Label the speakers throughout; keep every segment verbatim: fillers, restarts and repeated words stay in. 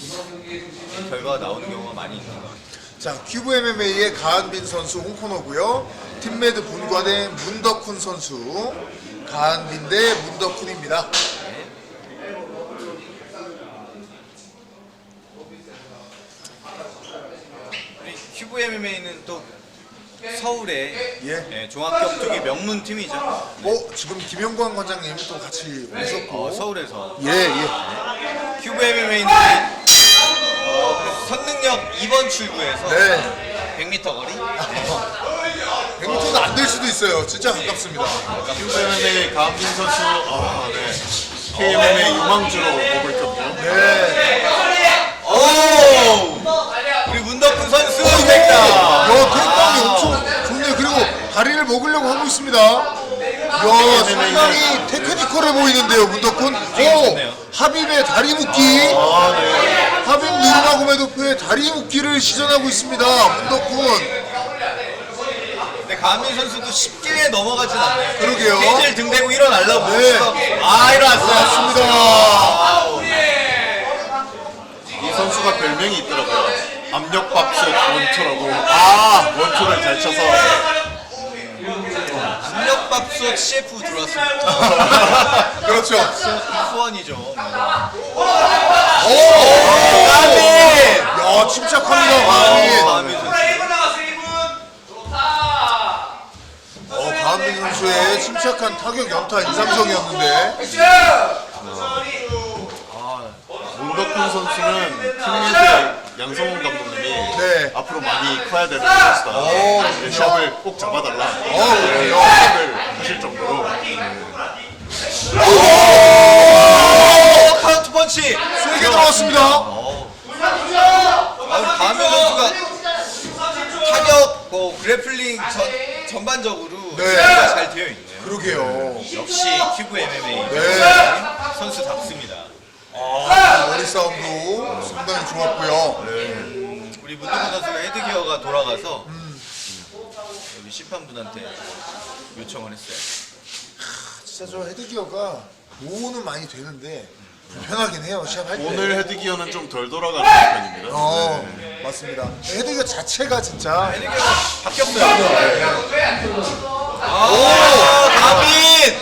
Speaker 1: 결과가 나오는 경우가 많이 있는 것 같아요.
Speaker 2: 자, 큐브 엠엠에이의 가한빈 선수 홍코너고요. 팀메드 본관의 문덕훈 선수. 가한빈 대 문덕훈입니다.
Speaker 1: 우리 큐브 엠엠에이는 또 서울의
Speaker 2: 예.
Speaker 1: 예, 종합격투기 명문 팀이죠.
Speaker 2: 어, 지금 김영광 관장님 또 같이 오셨고.
Speaker 1: 어, 서울에서
Speaker 2: 예, 예.
Speaker 1: 큐브 엠엠에이는 어, 선능력 이 번 출구에서
Speaker 2: 네.
Speaker 1: 백 미터 거리.
Speaker 2: 백 미터도 안 될 수도 있어요. 진짜 가깝습니다.
Speaker 3: 큐브 엠엠에이 가한빈 선수, 아, 네. 케이엠엠에이 유망주로 보고 있거든요.
Speaker 2: 네.
Speaker 1: 오! 우리 문덕훈 선수
Speaker 2: 어,
Speaker 1: 됐다.
Speaker 2: 야, 테이크다운이 엄청 좋네요. 그리고 다리를 먹으려고 하고 있습니다. 야, 상당히 테크니컬해 보이는데요, 문덕훈. 오, 하빕의 다리 묶기. 하빕 누르마고메도프의 다리 묶기를 시전하고 있습니다, 문덕훈.
Speaker 1: 근데 가한빈 선수도 쉽게 넘어가진 않네요.
Speaker 2: 그러게요.
Speaker 1: 케이지를 등 대고 일어나려고.
Speaker 2: 네.
Speaker 1: 아, 일어났어요.
Speaker 2: 맞습니다.
Speaker 3: 이 선수가 별명이 있더라고요. 압력밥솥 원투라고. 아, 원투를 잘 쳐서.
Speaker 1: 압력밥솥 씨에프 들어왔습니다.
Speaker 2: 그렇죠.
Speaker 1: 후원이죠.
Speaker 2: 오!
Speaker 1: 가한빈!
Speaker 2: 야, 침착합니다, 가한빈.
Speaker 1: 가한빈 선수.
Speaker 2: 어, 가한빈 선수의 침착한 타격 연타 인상적이었는데.
Speaker 3: 문덕훈 선수는 팀리드의 양성훈 감독님이
Speaker 2: 네.
Speaker 3: 앞으로 많이 커야 되는 선수다.
Speaker 2: 오,
Speaker 3: 네, 시합을 꼭 잡아달라.
Speaker 2: 어,
Speaker 3: 네,
Speaker 2: 그래요?
Speaker 3: 시합을 하실 정도로.
Speaker 1: 오, 카운트 펀치.
Speaker 2: 세게 들어갔습니다.
Speaker 1: 아, 가한빈 선수가 타격, 뭐 그래플링 전, 전반적으로
Speaker 2: 네.
Speaker 1: 준비가 잘 되어 있네요.
Speaker 2: 그러게요.
Speaker 1: 역시 큐브 엠엠에이
Speaker 2: 네.
Speaker 1: 선수답습니다.
Speaker 2: 아, 머리 싸움도 상당히 좋았고요.
Speaker 1: 우리 문덕훈 선수가 헤드기어가 돌아가서 음, 여기 심판분한테 요청을 했어요.
Speaker 2: 진짜 저 헤드기어가 보호는 많이 되는데 불편하긴 해요, 시합할 때.
Speaker 3: 오늘 헤드기어는 좀 덜 돌아가는 편입니다.
Speaker 2: 어, 맞습니다. 헤드기어 자체가 진짜.
Speaker 1: 헤드기어가 바뀌었어요. 아, 가빈!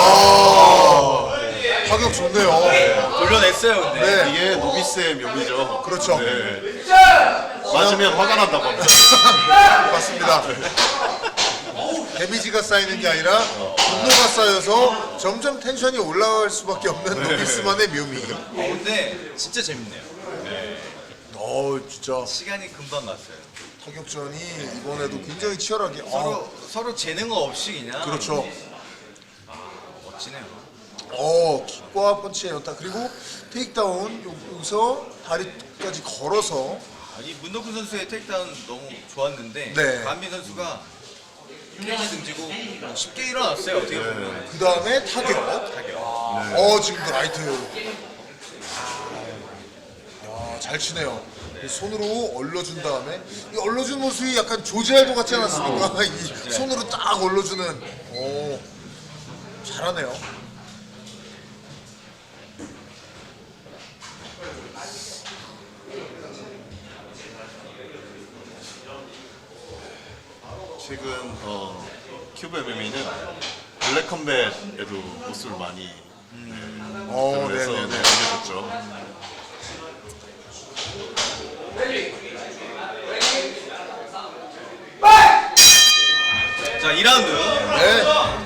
Speaker 2: 야, 타격 좋네요.
Speaker 1: 돌려냈어요, 근데.
Speaker 2: 네,
Speaker 3: 이게 노비스의 묘미죠.
Speaker 2: 그렇죠.
Speaker 3: 네. 맞으면 화가 난다고 합니다.
Speaker 2: 맞습니다. 데미지가 쌓이는 게 아니라 분노가 쌓여서 점점 텐션이 올라갈 수밖에 없는 노비스만의 묘미.
Speaker 1: 어, 근데 진짜 재밌네요.
Speaker 2: 어, 진짜
Speaker 1: 시간이 금방 갔어요.
Speaker 2: 타격전이 이번에도 굉장히 치열하게. 어,
Speaker 1: 서로, 서로 재능어 없이 그냥.
Speaker 2: 그렇죠.
Speaker 1: 멋지네요.
Speaker 2: 어, 킥과 펀치의 연타, 그리고 테이크다운 여기서 다리까지 걸어서.
Speaker 1: 아니, 문덕훈 선수의 테이크다운 너무 좋았는데
Speaker 2: 네.
Speaker 1: 가한빈 선수가 케이지 등지고 쉽게 일어났어요, 어떻게 보면.
Speaker 2: 그 다음에 타격.
Speaker 1: 타격.
Speaker 2: 어, 지금도 라이트. 야, 잘 치네요. 손으로 얼러준 다음에 이 얼러준 모습이 약간 조지알도 같지 않았습니까? 이 손으로 딱 얼러주는. 오, 잘하네요.
Speaker 3: 최근 어, 큐브 엠엠에이는 블랙 컴뱃에도 모습을 많이
Speaker 2: 어,
Speaker 3: 그래서 네,
Speaker 2: 네네네.
Speaker 3: 알려줬죠.
Speaker 1: 자, 이 라운드.
Speaker 2: 네.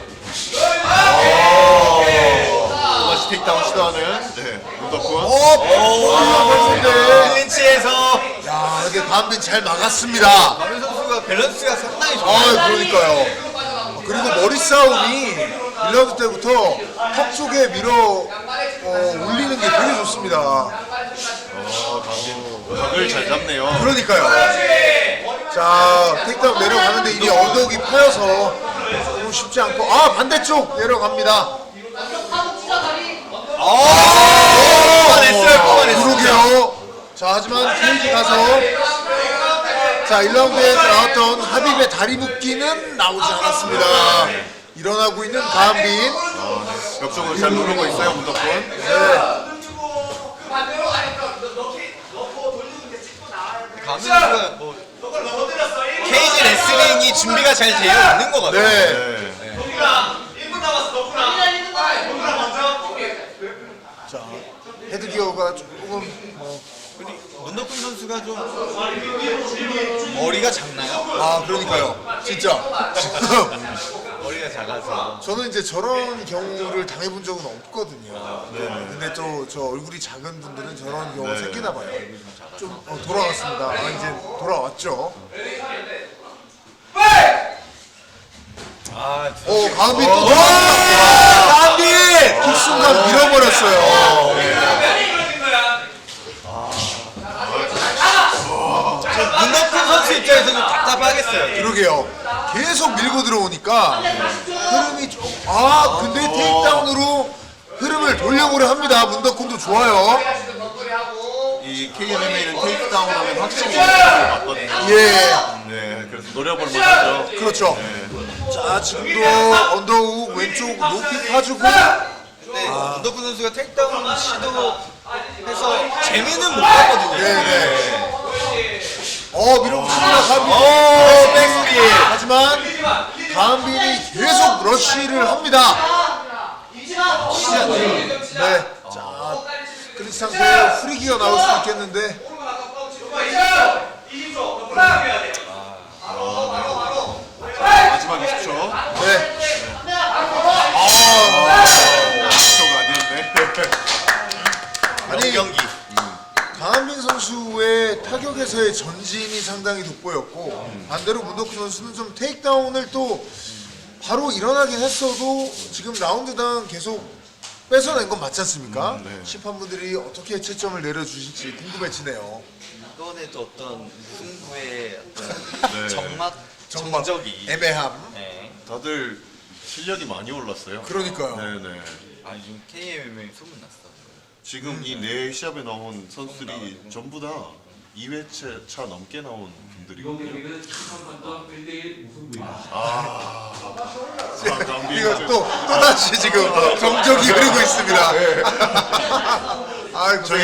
Speaker 3: 다시 테이크다운 시도하는 네, 문덕훈.
Speaker 2: 어, 네.
Speaker 1: 클린치에서
Speaker 2: 야, 이게 반빈 잘 막았습니다.
Speaker 1: 가빈 선수가 밸런스가 상당히
Speaker 2: 아,
Speaker 1: 좋아요.
Speaker 2: 그러니까요. 그리고 머리 싸움이 일 라운드 때부터 턱 쪽에 밀어 어, 올리는 게 되게 좋습니다.
Speaker 3: 어, 강진 각을 잘 잡네요.
Speaker 2: 그러니까요. 자, 테이크다운 내려가는데 이게 언덕이 파여서 조금 쉽지 않고. 아, 반대쪽 내려갑니다.
Speaker 1: 뽑아냈어요, 뽑아냈어요.
Speaker 2: 그러게요. 자, 하지만 케이지 가서 자, 일 라운드에 나왔던 하빕의 다리 묶기는 나오지 않았습니다. 일어나고 있는 가한빈.
Speaker 3: 옆쪽으로 잘 누르고 있어요, 문덕훈.
Speaker 2: 네.
Speaker 1: 강민 선수가 뭐 케이지 레슬링이 준비가 잘 되어 있는 것 같아요.
Speaker 2: 네.
Speaker 3: 네.
Speaker 2: 자, 헤드기어가 조금 뭐,
Speaker 1: 문덕훈 선수가 좀 머리가 작나요?
Speaker 2: 아 그러니까요. 진짜.
Speaker 1: 머리가 작아서.
Speaker 2: 저는 이제 저런 경우를 당해본 적은 없거든요. 근데 또 저 얼굴이 작은 분들은 저런 경우가
Speaker 3: 네.
Speaker 2: 생기나 봐요. 좀 어, 돌아왔습니다. 아, 이제 돌아왔죠.
Speaker 1: 아,
Speaker 2: 오, 강빈 또 돌아왔습니다.
Speaker 1: 강민!
Speaker 2: 그 순간 밀어버렸어요.
Speaker 1: 문덕훈 선수 입장에서는 답답하겠어요.
Speaker 2: 그러게요. 계속 밀고 들어오니까 흐름이 좀, 아, 근데 테이크다운으로 흐름을 돌려보려 합니다. 문덕훈도 좋아요.
Speaker 3: 이 케이엠엠에이는 테이크다운 하면 확실히 이득을 받거든요.
Speaker 2: 예.
Speaker 3: 네, 그래서 노려볼 만하죠.
Speaker 2: 그렇죠. 자, 지금도 언더훅 왼쪽 높이 파주고.
Speaker 1: 근데 문덕훈 선수가 택다운 시도해서 재미는 못 봤거든요.
Speaker 2: 네네. 어, 밀어붙입니다, 강빈.
Speaker 1: 오, 백스핀.
Speaker 2: 하지만 강빈이 계속 러쉬를 합니다. 네. 자, 그런 상태에 후리기가 나올 수 있겠는데.
Speaker 3: 마지막 이십 초.
Speaker 2: 네.
Speaker 3: 이십 초가 아니었네.
Speaker 2: 아니,
Speaker 1: 경기.
Speaker 2: 강한빈 선수의 타격에서의 전진이 상당히 돋보였고 반대로 문덕훈 선수는 좀 테이크다운을 또 바로 일어나긴 했어도 지금 라운드당 계속 뺏어낸 건 맞지 않습니까?
Speaker 3: 음, 네.
Speaker 2: 심판분들이 어떻게 채점을 내려주실지 궁금해지네요.
Speaker 1: 이번에 또 어떤 승부의 어떤
Speaker 3: 네.
Speaker 1: 정막
Speaker 2: 정말
Speaker 1: 정적이.
Speaker 2: 애매함.
Speaker 1: 네.
Speaker 3: 다들 실력이 많이 올랐어요.
Speaker 2: 그러니까요.
Speaker 3: 네네.
Speaker 1: 아 요즘 케이엠엠에이 소문났어.
Speaker 3: 지금 이 네 시합에 나온 선수들이 전부 다 이 회차 차 넘게 나온 분들이거든요. 아,
Speaker 2: 이거 또, 또 다시 지금 정적이 흐르고 있습니다. 아이고.